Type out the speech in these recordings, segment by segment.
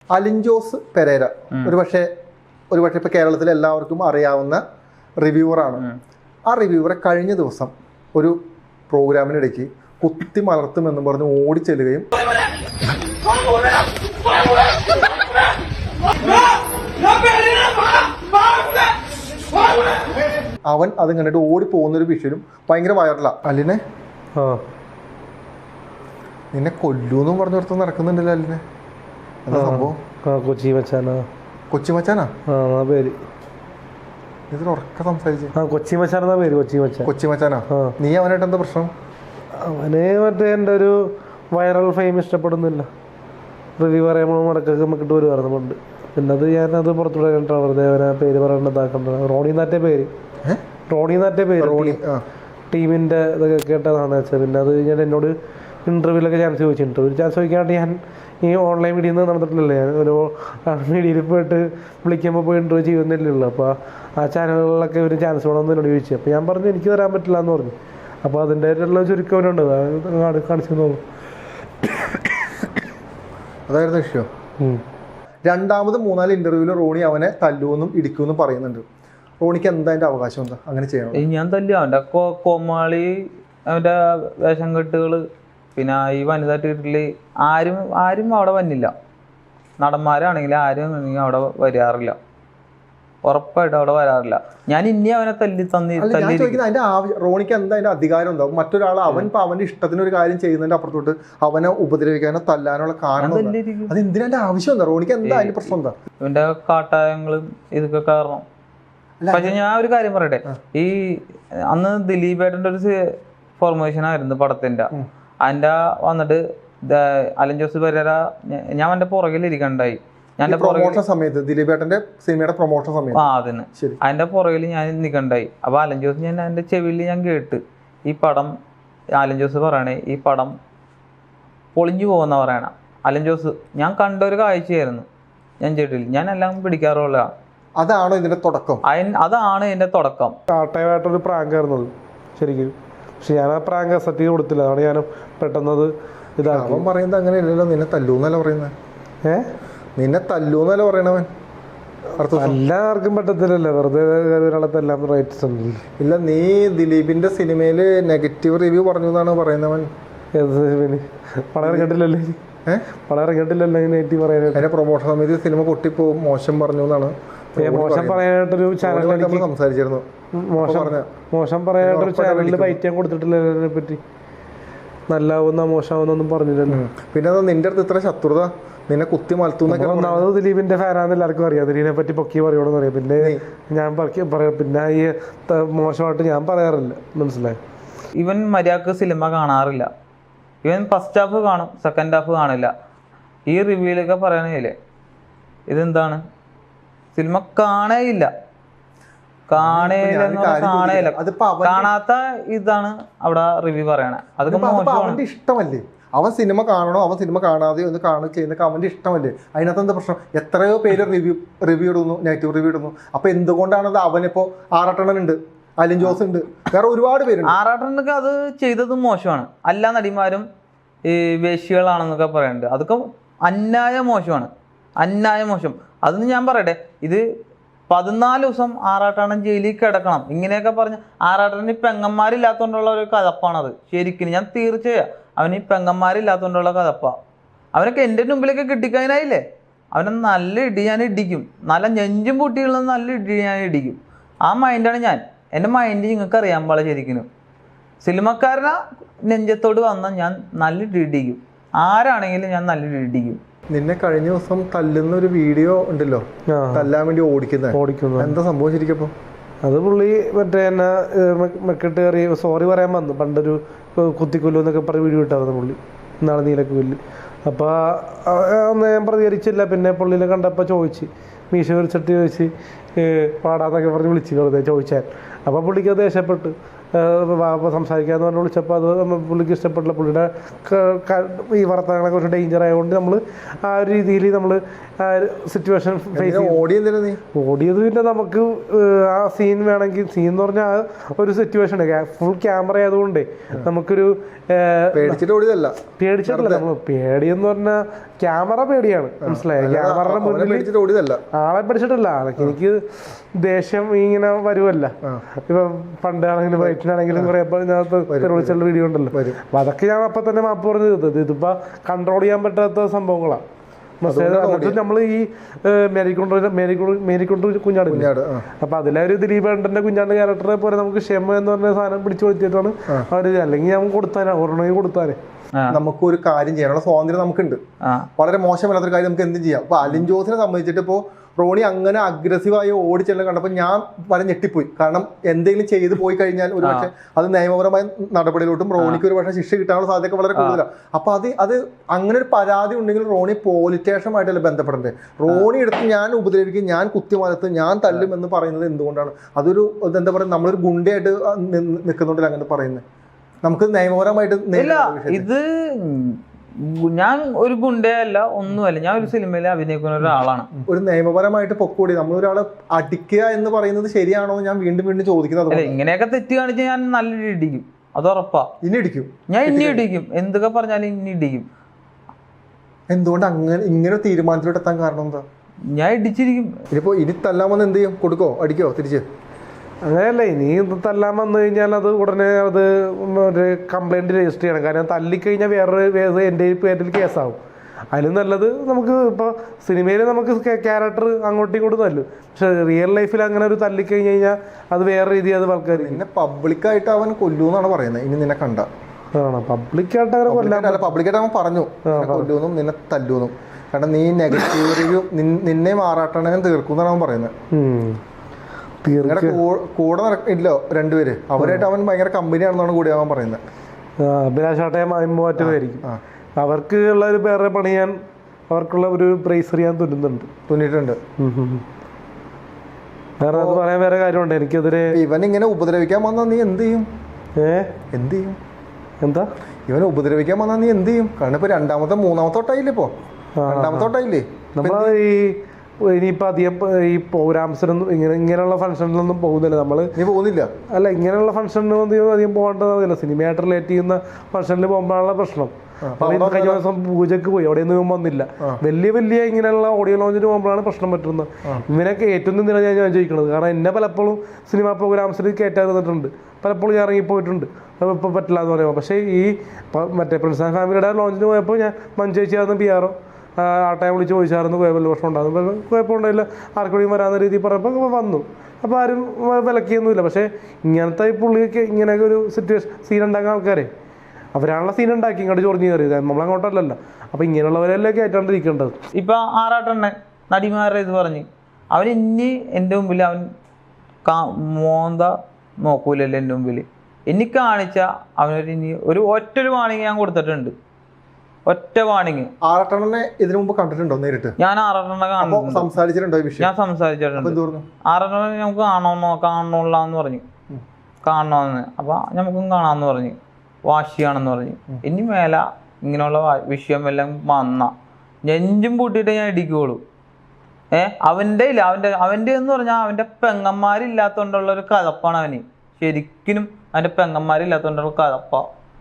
Alin Jose Pereira ഒരു പക്ഷേ ഇപ്പൊ കേരളത്തിൽ എല്ലാവർക്കും അറിയാവുന്ന റിവ്യൂവറാണ്. ആ റിവ്യൂവറെ കഴിഞ്ഞ ദിവസം ഒരു പ്രോഗ്രാമിനിടയ്ക്ക് കുത്തി മലർത്തുമെന്നും പറഞ്ഞ് ഓടിച്ചെല്ലുകയും അവൻ അത് കണ്ടിട്ട് ഓടിപ്പോകുന്നൊരു വിഷയം ഭയങ്കര വൈറലാ. അലിനെ നിന്നെ കൊല്ലൂന്നും പറഞ്ഞു നിർത്താൻ നടക്കുന്നുണ്ടല്ലോ അലിനെ. എന്താ സംഭവം? കൊച്ചി മച്ചാനാ പേര്. ഇതിൽ ഉറക്ക സംസാരിച്ചു. കൊച്ചി മച്ചാനാ പേര്. കൊച്ചി മച്ചാനാ. നീ അവനായിട്ട് എന്താ പ്രശ്നം? അവന് മറ്റേ എൻ്റെ ഒരു വൈറൽ ഫെയിം ഇഷ്ടപ്പെടുന്നില്ല. റിവ്യൂ പറയുമ്പോൾ മടക്കൊക്കെ നമുക്കിട്ട് വരുമായിരുന്നുണ്ട്. പിന്നെ അത് ഞാനത് പുറത്തുകൂടെ കണ്ടിട്ടാണ് വെറുതെ അവനെ പേര് പറയേണ്ടതാക്കേണ്ടത്. റോണി നാറ്റെ പേര് ടീമിൻ്റെ ഇതൊക്കെ കേട്ടതാണ് വെച്ചാൽ. പിന്നെ അത് ഞാൻ എന്നോട് ഇൻ്റർവ്യൂലൊക്കെ ചാൻസ് ചോദിച്ചു. ഇൻ്റർവ്യൂ ചാൻസ് ചോദിക്കാണ്ട് ഞാൻ ഈ ഓൺലൈൻ മീഡിയയിൽ നിന്ന് നടന്നിട്ടില്ലല്ലേ. ഞാൻ ഒരു മീഡിയയിൽ പോയിട്ട് വിളിക്കുമ്പോൾ പോയി ഇൻ്റർവ്യൂ ചെയ്യുന്നില്ലല്ലോ. അപ്പോൾ ആ ചാനലുകളിലൊക്കെ ഒരു ചാൻസ് വേണമെന്ന് എന്നോട് ചോദിച്ചു. അപ്പോൾ ഞാൻ പറഞ്ഞു എനിക്ക് തരാൻ പറ്റില്ല എന്ന് പറഞ്ഞു. അപ്പോൾ അതിൻ്റെ ആയിട്ടുള്ള ചുരുക്കവനുണ്ട് കാണിച്ചു തോന്നുന്നു. അതായിരുന്നു വിഷയം. രണ്ടാമത് 3-4 ഇന്റർവ്യൂവിൽ റോണി അവനെ തല്ലുമെന്നും ഇടിക്കുമെന്നും പറയുന്നുണ്ട്. റോണിക്ക് എന്താ അതിന്റെ അവകാശം? എന്താ അങ്ങനെ ചെയ്യണം? ഞാൻ തല്ലു അവൻ്റെ കോമാളി, അവൻ്റെ വേഷം കെട്ടുകൾ, പിന്നെ ഈ വനിതാ തീയറ്ററിൽ ആരും അവിടെ വന്നില്ല. നടന്മാരാണെങ്കിൽ ആരും അവിടെ വരാറില്ല, ഉറപ്പായിട്ടും അവിടെ വരാറില്ല. ഞാൻ ഇനി അവനെ റോണിക്ക് എന്താ അതിന്റെ അധികാരം ഉണ്ടാവും? മറ്റൊരാൾ അവന്റെ ഇഷ്ടത്തിന് ഒരു കാര്യം ചെയ്യുന്നതിന്റെ അപ്പുറത്തോട്ട് അവനെ ഉപദ്രവിക്കാനോ തല്ലാനുള്ള കാരണം അത് എന്തിനാ ആവശ്യം എന്താ? റോണിക്ക് എന്താ അതിന്റെ പ്രശ്നം? എന്താ ഇവന്റെ കാട്ടായങ്ങളും ഇതൊക്കെ കാരണം. പക്ഷെ ഞാൻ ഒരു കാര്യം പറയട്ടെ, ഈ അന്ന് ദിലീപേട്ടൻ്റെ ഒരു ഫോർമേഷൻ ആയിരുന്നു പടത്തിന്റെ. അതിന്റെ വന്നിട്ട് അലൻ ജോസ് പെരേര ഞാൻ അവന്റെ പുറകിലിരിക്കണ്ടായി. പ്രൊമോഷൻ സമയത്ത് ദിലീപേട്ടന്റെ സിനിമയുടെ പ്രൊമോഷൻ സമയത്ത് അതിന് അതിന്റെ പുറകിൽ ഞാൻ നിൽക്കണ്ടായി. അപ്പൊ അലൻ ജോസ് ഞാൻ എന്റെ ചെവിയിൽ ഞാൻ കേട്ട് ഈ പടം അലൻ ജോസ് പറയണേ ഈ പടം പൊളിഞ്ഞു പോകുന്ന പറയണ. അലൻ ജോസ് ഞാൻ കണ്ട ഒരു കാഴ്ചയായിരുന്നു. ഞാൻ കേട്ടില്ല, ഞാൻ എല്ലാം പിടിക്കാറുള്ള. അതാണോ ഇതിന്റെ തുടക്കം? അതാണ് ഇതിന്റെ തുടക്കം. കാട്ടയമായിട്ടൊരു പ്രാങ്ക് ആയിരുന്നത് ശരിക്കും. പക്ഷെ ഞാൻ ആ പ്രാങ്ക് അക്സെപ്റ്റ് ചെയ്ത് കൊടുത്തില്ല. അതാണ് ഞാൻ പെട്ടെന്നത് ഇതാക്കി. അവൻ പറയുന്നത് അങ്ങനെ ഇല്ലല്ലോ, നിന്നെ തല്ലൂന്നല്ല പറയുന്നത്. നിന്നെ തല്ലൂന്നല്ല പറയണവൻ. എല്ലാവർക്കും പറ്റത്തില്ലല്ലോ, വെറുതെ ഒരാളെ തല്ലാൻ റൈറ്റ്സ് ഉണ്ടല്ലോ. ഇല്ല, നീ ദിലീപിന്റെ സിനിമയില് നെഗറ്റീവ് റിവ്യൂ പറഞ്ഞു എന്നാണ് പറയുന്നവൻ. ഏത് സിനിമയില്? പടം ഇറങ്ങിയിട്ടില്ലല്ലേ? പടം ഇറങ്ങിയിട്ടില്ലല്ലോ നെഗറ്റീവ് പറയാനായിട്ട്. അതിന്റെ പ്രൊമോഷൻ സമയത്ത് സിനിമ പൊട്ടിപ്പോവും, മോശം പറഞ്ഞു എന്നാണ്. മോശം പറയാനായിട്ടൊരു ചാനൽ സംസാരിച്ചിരുന്നു. മോശം പറയാനായിട്ടൊരു ചാനലിൽ ബൈറ്റ് ഞാൻ കൊടുത്തിട്ടില്ല അതിനെ പറ്റി. നല്ലാവുന്ന മോശമാവുന്നൊന്നും പറഞ്ഞില്ലല്ലോ. പിന്നെ നിന്റെ അടുത്ത് ഇത്ര ശത്രുത, നിന്നെ കുത്തി മലത്തുന്നൊക്കെ. ഒന്നാമത് ദിലീപിന്റെ ഫാനാന്ന് എല്ലാവർക്കും അറിയാം. ദിലീപിനെ പറ്റി പൊക്കി പറയണമെന്ന് പറയാം. പിന്നെ ഞാൻ പറയാം, പിന്നെ ഈ മോശമായിട്ട് ഞാൻ പറയാറില്ല, മനസ്സിലായി. ഇവൻ മര്യാദക്ക് സിനിമ കാണാറില്ല. ഇവൻ ഫസ്റ്റ് ഹാഫ് കാണും, സെക്കൻഡ് ഹാഫ് കാണില്ല. ഈ റിവ്യൂലൊക്കെ പറയണില്ലേ ഇതെന്താണ്? സിനിമ കാണേയില്ല. കാണാത്ത ഇതാണ് അവിടെ റിവ്യൂ പറയണേ. അതൊക്കെ അവന്റെ ഇഷ്ടമല്ലേ? അവൻ സിനിമ കാണണോ അവൻ സിനിമ കാണാതെയോ ഒന്ന് ചെയ്യുന്നൊക്കെ അവന്റെ ഇഷ്ടമല്ലേ? അതിനകത്ത് എന്താ പ്രശ്നം? എത്രയോ പേര് റിവ്യൂ ഇടുന്നു, നെഗറ്റീവ് റിവ്യൂ ഇടുന്നു. അപ്പൊ എന്തുകൊണ്ടാണത്? അവനിപ്പോ ആറാട്ടണ്ണനുണ്ട്, അലിൻ ജോസ് ഉണ്ട്, വേറെ ഒരുപാട് പേരുണ്ട്. ആറാട്ടണ്ണനൊക്കെ അത് ചെയ്തത് മോശമാണ്. എല്ലാ നടിമാരും ഈ വേശ്യകളാണെന്നൊക്കെ പറയുന്നുണ്ട്. അതൊക്കെ അന്യായ മോശമാണ്, അന്യായ മോശം. അതൊന്നും ഞാൻ പറയട്ടെ, ഇത് 14 ദിവസം ആറാട്ടണ്ണൻ ജയിലിൽ കിടക്കണം ഇങ്ങനെയൊക്കെ പറഞ്ഞ്. ആറാട്ടണ്ണന് പെങ്ങന്മാരില്ലാത്തതുകൊണ്ടുള്ള ഒരു കഥപ്പാണത്. ശരിക്കും ഞാൻ തീർച്ചയായും അവന് ഈ പെങ്ങന്മാരില്ലാത്തതുകൊണ്ടുള്ള കഥപ്പാ. അവനൊക്കെ എൻ്റെ മുമ്പിലൊക്കെ കിട്ടിക്കഴിഞ്ഞായില്ലേ അവനെ നല്ല ഇടി ഞാൻ ഇടിക്കും. നല്ല നെഞ്ചും പൊട്ടിയുള്ള നല്ല ഇടി ഞാൻ ഇടിക്കും. ആ മൈൻഡാണ് ഞാൻ. എൻ്റെ മൈൻഡ് നിങ്ങൾക്ക് അറിയാൻ പാടില്ല. ശരിക്കും സിനിമക്കാരനെ നെഞ്ചത്തോട് വന്നാൽ ഞാൻ നല്ല ഇടി ഇടിക്കും. ആരാണെങ്കിലും ഞാൻ നല്ല ഇടി ഇടിക്കും. നിന്നെ കഴിഞ്ഞ ദിവസം തല്ലുന്ന ഒരു വീഡിയോ ഉണ്ടല്ലോ, തല്ലാൻ വേണ്ടി ഓടിക്കുന്നത് എന്താ സംഭവം ശരിക്കപ്പോ? അത് പുള്ളി മറ്റേ എന്നെ മെക്കിട്ട് കയറി സോറി പറയാൻ വന്നു. പണ്ടൊരു കുത്തിക്കൊല്ലു എന്നൊക്കെ പറഞ്ഞ് വീഡിയോ ഇട്ടായിരുന്നു പുള്ളി, ഇന്നാളെ നീലക്ക് കൊല്ലി. അപ്പോൾ അന്ന് ഞാൻ പ്രതികരിച്ചില്ല. പിന്നെ പുള്ളിനെ കണ്ടപ്പോൾ ചോദിച്ച്, മീശ വിളിച്ചിട്ട് ചോദിച്ച് പാടാന്നൊക്കെ പറഞ്ഞ് വിളിച്ച് വെറുതെ ചോദിച്ചാൽ. അപ്പോൾ പുള്ളിക്ക് ദേഷ്യപ്പെട്ടു. സംസാരിക്കാമെന്ന് പറഞ്ഞ് വിളിച്ചപ്പോൾ അത് പുള്ളിക്ക് ഇഷ്ടപ്പെട്ടില്ല. പുള്ളിയുടെ ഈ വർത്തമാനങ്ങളെ കുറച്ച് ഡേഞ്ചർ ആയതുകൊണ്ട് നമ്മൾ ആ ഒരു രീതിയിൽ നമ്മൾ ആ ഒരു സിറ്റുവേഷൻ ഫേസ് ചെയ്യും. ഓടിയത് പിന്നെ നമുക്ക് ആ സീൻ വേണമെങ്കിൽ, സീൻ എന്ന് പറഞ്ഞാൽ ആ ഒരു സിറ്റുവേഷൻ ഫുൾ ക്യാമറ ആയതുകൊണ്ട് നമുക്കൊരു പേടിച്ചിട്ടില്ല. നമ്മൾ പേടിയെന്ന് പറഞ്ഞാൽ ക്യാമറ പേടിയാണ്, മനസ്സിലായോ? ക്യാമറയുടെ മുന്നിൽ ആളെ പഠിച്ചിട്ടില്ല. എനിക്ക് ദേഷ്യം ഇങ്ങനെ വരുമല്ല. ഇപ്പൊ പണ്ടാണെങ്കിലും വയറ്റിനാണെങ്കിലും കുറെ വിളിച്ചുള്ള വീഡിയോ ഉണ്ടല്ലോ, അപ്പൊ അതൊക്കെ ഞാൻ അപ്പൊ തന്നെ മാപ്പ് പറഞ്ഞു തീർത്തത്. ഇതിപ്പോ കൺട്രോൾ ചെയ്യാൻ പറ്റാത്ത സംഭവങ്ങളാണ്. നമ്മൾ ഈ മേരിക്കൊണ്ട് കുഞ്ഞാട്, അപ്പൊ അതിലെ ഒരു ദിലീപേട്ടന്റെ കുഞ്ഞാണ്ട് ക്യാരക്ടറെ പോലെ നമുക്ക് ക്ഷമ എന്ന് പറഞ്ഞ സാധനം പിടിച്ചു കൊടുത്തിട്ടാണ് അവര്. അല്ലെങ്കിൽ ഞാൻ കൊടുത്താനെ ഒരെണ്ണമെങ്കിൽ കൊടുത്താനെ. നമുക്കൊരു കാര്യം ചെയ്യാനുള്ള സ്വാതന്ത്ര്യം നമുക്കുണ്ട്. വളരെ മോശമല്ലാത്തൊരു കാര്യം നമുക്ക് എന്തും ചെയ്യാം. അപ്പൊ അലിൻ ജോസിനെ സംബന്ധിച്ചിട്ട് ഇപ്പോ റോണി അങ്ങനെ അഗ്രസീവായി ഓടിച്ചെല്ലാം കണ്ടപ്പോൾ ഞാൻ വളരെ ഞെട്ടിപ്പോയി. കാരണം എന്തെങ്കിലും ചെയ്തു പോയി കഴിഞ്ഞാൽ ഒരു പക്ഷേ അത് നിയമപരമായ നടപടിയിലോട്ടും റോണിക്ക് ഒരു പക്ഷേ ശിക്ഷ കിട്ടാനുള്ള സാധ്യത വളരെ കൂടുതലാണ്. അപ്പൊ അത് അങ്ങനെ ഒരു പരാതി ഉണ്ടെങ്കിൽ റോണി പോലീസ് സ്റ്റേഷനുമായിട്ടല്ലേ ബന്ധപ്പെടേണ്ടത്. റോണി എടുത്ത് ഞാൻ ഉപദ്രവിക്കും, ഞാൻ കുത്തിമലത്ത്, ഞാൻ തല്ലും എന്ന് പറയുന്നത് എന്തുകൊണ്ടാണ്? അതൊരു എന്താ പറയുക, നമ്മളൊരു ഗുണ്ടയായിട്ട് നിൽക്കുന്നുണ്ടല്ലോ അങ്ങനെ പറയുന്നത്. നമുക്ക് നിയമപരമായിട്ട് ഇത് ഞാൻ ഒരു ഗുണ്ടയല്ല, ഒന്നുമല്ല. ഞാൻ ഒരു സിനിമയിൽ അഭിനയിക്കുന്ന ഒരാളാണ്. ഒരു നിയമപരമായിട്ട് പൊക്കൂടി നമ്മളൊരാളെ അടിക്കുക എന്ന് പറയുന്നത് ശരിയാണോ ഞാൻ വീണ്ടും വീണ്ടും ചോദിക്കുന്നത്. ഇങ്ങനെയൊക്കെ തെറ്റ് കാണിച്ച് ഞാൻ നല്ല ഇടിക്കും, അത് ഉറപ്പാ. ഇനി ഇടിക്കും, ഞാൻ ഇനി ഇടിക്കും, എന്തൊക്കെ പറഞ്ഞാലും ഇനി ഇടിക്കും. എന്തുകൊണ്ട് അങ്ങനെ ഇങ്ങനെ തീരുമാനത്തിലോട്ട് എത്താൻ കാരണം എന്താ? ഞാൻ ഇടിച്ചിരിക്കും. ഇനിയിപ്പോ ഇനി തല്ലാമെന്ന് എന്ത് ചെയ്യും? കൊടുക്കോ, അടിക്കോ തിരിച്ച്? അങ്ങനെയല്ല, ഇനി തല്ലാൻ വന്നു കഴിഞ്ഞാൽ അത് ഉടനെ അത് ഒരു കംപ്ലൈൻറ്റ് രജിസ്റ്റർ ചെയ്യണം. കാരണം തല്ലിക്കഴിഞ്ഞാൽ വേറൊരു എൻ്റെ പേരിൽ കേസാവും. അതിലും നല്ലത് നമുക്ക് ഇപ്പോൾ സിനിമയിൽ നമുക്ക് ക്യാരക്ടർ അങ്ങോട്ടും ഇങ്ങോട്ടും തല്ലും, പക്ഷെ റിയൽ ലൈഫിൽ അങ്ങനെ ഒരു തല്ലിക്കഴിഞ്ഞ് കഴിഞ്ഞാൽ അത് വേറെ രീതി അത് ആൾക്കാർ. പിന്നെ പബ്ലിക്കായിട്ട് അവൻ കൊല്ലൂന്നാണ് പറയുന്നത്. ഇനി നിന്നെ കണ്ട പബ്ലിക്കായിട്ട് അങ്ങനെ കൊല്ലാൻ, പബ്ലിക്കായിട്ട് അവൻ പറഞ്ഞു കൊല്ലൂന്നും നിന്നെ തല്ലൂന്നും. കാരണം നീ നെഗറ്റീവ് റിവ്യൂ നിന്നെ മാറാട്ടണനും തീർക്കുന്നാണ് അവൻ പറയുന്നത്. കൂടെ ഇല്ലോ രണ്ടുപേര്, അവരായിട്ട് അവൻ ഭയങ്കര കമ്പനിയാണെന്നാണ് കൂടി അവൻ പറയുന്നത്. അഭിലാഷാട്ടയും മാറ്റുമായിരിക്കും. അവർക്ക് ഉള്ള ഒരു വേറെ പണിയാൻ, അവർക്കുള്ള ഒരു പ്രൈസ് അറിയാൻ തുന്നിയിട്ടുണ്ട്. വേറെ അത് പറയാൻ വേറെ കാര്യമുണ്ട് എനിക്കെതിരെ. ഇവൻ ഇങ്ങനെ ഉപദ്രവിക്കാൻ വന്നാൽ നീ എന്ത് ചെയ്യും? എന്ത് ചെയ്യും? എന്താ ഇവനെ ഉപദ്രവിക്കാൻ വന്നാൽ നീ എന്ത് ചെയ്യും? കാരണം ഇപ്പൊ മൂന്നാമത്തോട്ടായില്ലേ? ഇപ്പോ രണ്ടാമത്തോട്ടായില്ലേ? നമ്മളത് ഇനിയിപ്പോൾ അധികം ഈ പ്രോഗ്രാംസിനൊന്നും ഇങ്ങനെയുള്ള ഫംഗ്ഷനിലൊന്നും പോകുന്നില്ല നമ്മൾ. നീ പോകുന്നില്ല? അല്ല, ഇങ്ങനെയുള്ള ഫംഗ്ഷനൊന്നും അധികം പോകേണ്ടതില്ല. സിനിമയായിട്ട് റിലേറ്റ് ചെയ്യുന്ന ഫംഗ്ഷനിൽ പോകുമ്പോഴാണ് പ്രശ്നം. കഴിഞ്ഞ ദിവസം പൂജക്ക് പോയി, അവിടെ ഒന്നും വന്നില്ല. വലിയ ഇങ്ങനെയുള്ള ഓഡിയോ ലോഞ്ചിന് പോകുമ്പോഴാണ് പ്രശ്നം പറ്റുന്നത്. ഇവനൊക്കെ ഏറ്റവും എന്തിനാണ് ഞാൻ ചോദിക്കുന്നത്? കാരണം എന്നെ പലപ്പോഴും സിനിമാ പ്രോഗ്രാംസിൽ കയറ്റാതിരുന്നിട്ടുണ്ട്, പലപ്പോഴും ഞാൻ ഇറങ്ങിപ്പോയിട്ടുണ്ട്. ഇപ്പോൾ പറ്റില്ല എന്ന് പറയുമ്പോൾ. പക്ഷേ ഈ മറ്റേ പ്രിൻസ് ആൻഡ് ഫാമിലിയുടെ ലോഞ്ചിന് പോയപ്പോൾ ഞാൻ മഞ്ചേച്ചിയായിരുന്നു PR ആ ടൈം വിളിച്ച് ചോദിച്ചായിരുന്നു കുഴപ്പമില്ല, പ്രശ്നം ഉണ്ടാകുന്നു, കുഴപ്പമുണ്ടായില്ല, ആർക്കും വരാവുന്ന രീതിയിൽ പറഞ്ഞപ്പോൾ വന്നു. അപ്പോൾ ആരും വിലക്കിയൊന്നുമില്ല. പക്ഷേ ഇങ്ങനത്തെ ഈ പുള്ളിയൊക്കെ ഇങ്ങനെയൊക്കെ ഒരു സീൻ ഉണ്ടാക്കുന്ന ആൾക്കാരെ അവരാണുള്ള സീൻ ഉണ്ടാക്കി ഇങ്ങോട്ട് ചൊറിഞ്ഞ് കയറിയത്, നമ്മളങ്ങോട്ടല്ലല്ലോ. അപ്പോൾ ഇങ്ങനെയുള്ളവരെല്ലാം കയറ്റാണ്ടിരിക്കേണ്ടത്. ഇപ്പം ആറാട്ടെണ്ണൻ നടിമാരുടെ ഇത് പറഞ്ഞ് അവൻ ഇനി എൻ്റെ മുമ്പിൽ അവൻ നോക്കൂലല്ലോ എൻ്റെ മുമ്പിൽ. ഇനി കാണിച്ച അവനൊരു ഇനി ഒറ്റൊരു വാണിങ് ഞാൻ കൊടുത്തിട്ടുണ്ട്. ഒറ്റ വാണിങ്. ആറാട്ടെണ്ണനെ ഇതിനു മുമ്പ് കണ്ടിട്ടുണ്ടോ നേരിട്ട്? ഞാൻ ആറാട്ടെണ്ണ സംസാരിച്ചിട്ടുണ്ടോ ഈ വിഷയം? ഞാൻ സംസാരിച്ചിട്ടുണ്ട്. ആറാട്ടെണ്ണ നമുക്ക് കാണണമെന്ന് പറഞ്ഞു, കാണണമെന്ന്. അപ്പൊ നമുക്കും കാണാമെന്ന് പറഞ്ഞു, വാശിയാണെന്ന് പറഞ്ഞു. ഇനി മേല ഇങ്ങനെയുള്ള വിഷയം എല്ലാം വന്ന നെഞ്ചും പൂട്ടിയിട്ട് ഞാൻ ഇടിക്കുള്ളൂ. അവൻ്റെ എന്ന് പറഞ്ഞാൽ അവൻ്റെ പെങ്ങന്മാരില്ലാത്തോണ്ടുള്ള ഒരു കഥപ്പാണ് അവന്. ശരിക്കും അവൻ്റെ പെങ്ങന്മാരില്ലാത്തോണ്ടുള്ള കഥപ്പ.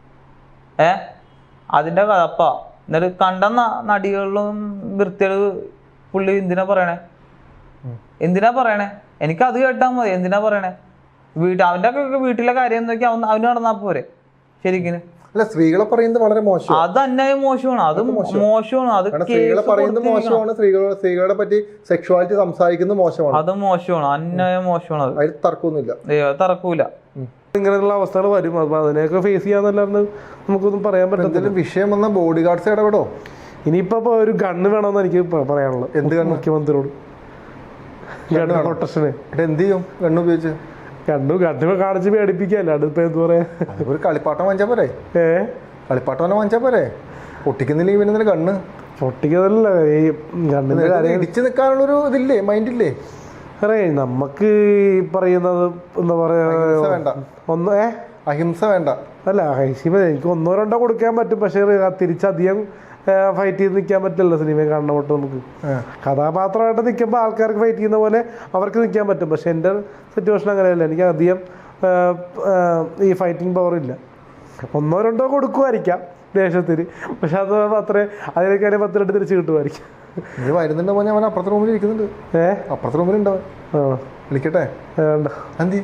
അതിൻ്റെ കഥപ്പ. എന്നിട്ട് കണ്ട നടികളിലും വൃത്തികൾ പുള്ളി എന്തിനാ പറയണേ? എനിക്കത് കേട്ടാൽ മതി. എന്തിനാ പറയണേ? അവൻ്റെ ഒക്കെ വീട്ടിലെ കാര്യം നോക്കി അവന് നടന്നാ പോരെ. ശരിക്കും അല്ല, സ്ത്രീകളെ പറയുന്നത് വളരെ മോശം. അത് അന്യായം മോശമാണ്. അത് മോശമാണ്. അത് സ്ത്രീകളെ പറയുന്നത് മോശമാണ്. സ്ത്രീകളെ പറ്റി സെക്ഷുവാലിറ്റി സംസാരിക്കുന്നത് മോശമാണ്. അത് മോശമാണ്, അന്യായം മോശമാണ്. അത് അതിൽ തർക്കമൊന്നുമില്ല, തർക്കൂല. ഇങ്ങനെയുള്ള അവസ്ഥകൾ വരും. അപ്പൊ അതിനെയൊക്കെ ഫേസ് ചെയ്യാന്നല്ലാണ്ട് നമുക്കൊന്നും പറയാൻ പറ്റത്തില്ല. വിഷയം വന്ന ബോഡി ഗാർഡ്സ് ഇടപെടോ? ഇനിയിപ്പോ ഒരു ഗണ്ണ് വേണമെന്ന് എനിക്ക് പറയാനുള്ളത്. എന്ത് ഗണ്ണ്? മുഖ്യമന്ത്രിയോട് പ്രൊട്ടക്ഷന് എന്ത് ചെയ്യും? ഗണ്ണ് ഉപയോഗിച്ച് കണ്ണു കാണിച്ച് പേടിപ്പിക്കല്ല. അതിപ്പോ എന്താ പറയാ, ഒരു കളിപ്പാട്ടം വാങ്ങിച്ചാ പോരെ? കളിപ്പാട്ടം വാങ്ങിച്ചാ പോരെ? പൊട്ടിക്കുന്നില്ലെങ്കിൽ പിന്നെ കണ്ണ് പൊട്ടിക്കുന്നതല്ല, ഈ ഗണ്ണിന്റെ കാര്യം ഇടിച്ചു നിൽക്കാനുള്ളൊരു ഇതില്ലേ, മൈൻഡില്ലേ? അറേ നമുക്ക് ഈ പറയുന്നത് എന്താ പറയാ വേണ്ട ഒന്ന് അഹിംസ വേണ്ട. അല്ല ഹൈസിമ എനിക്ക് 1-2 കൊടുക്കാൻ പറ്റും, പക്ഷേ തിരിച്ചധികം ഫൈറ്റ് ചെയ്ത് നിൽക്കാൻ പറ്റില്ല സിനിമ കാണുന്ന തൊട്ട് നമുക്ക്. കഥാപാത്രമായിട്ട് നിൽക്കുമ്പോൾ ആൾക്കാർക്ക് ഫൈറ്റ് ചെയ്യുന്ന പോലെ അവർക്ക് നിൽക്കാൻ പറ്റും, പക്ഷെ എൻ്റെ സിറ്റുവേഷൻ അങ്ങനെയല്ല. എനിക്ക് അധികം ഈ ഫൈറ്റിംഗ് പവർ ഇല്ല. 1-2 കൊടുക്കുമായിരിക്കാം ദേഷ്യത്തിന്, പക്ഷെ അത് അത്രേ അതിനേക്കാൾ 10 തിരിച്ച് കിട്ടുമായിരിക്കും. ഇത് വരുന്നുണ്ട് പോലെ അവൻ അപ്പുറത്തെ റൂമിൽ ഇരിക്കുന്നുണ്ട്. അപ്പുറത്തെ റൂമിലുണ്ടവൻ. വിളിക്കട്ടെ? വേണ്ട, എന്തി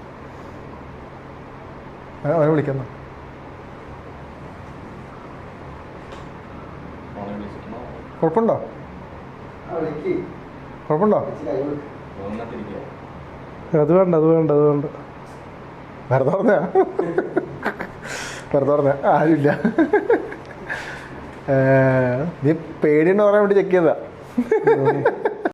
അവനെ വിളിക്കുന്ന കുഴപ്പമുണ്ടോ? കുഴപ്പമുണ്ടോ? അത് വേണ്ട, അത് വേണ്ട, അത് വേണ്ട. വെറുതെ പറഞ്ഞ വെറുതെ പറഞ്ഞ ആരുമില്ല. നീ പേടിയുണ്ടോ പറയാൻ വേണ്ടി ചെക്ക് ചെയ്താ.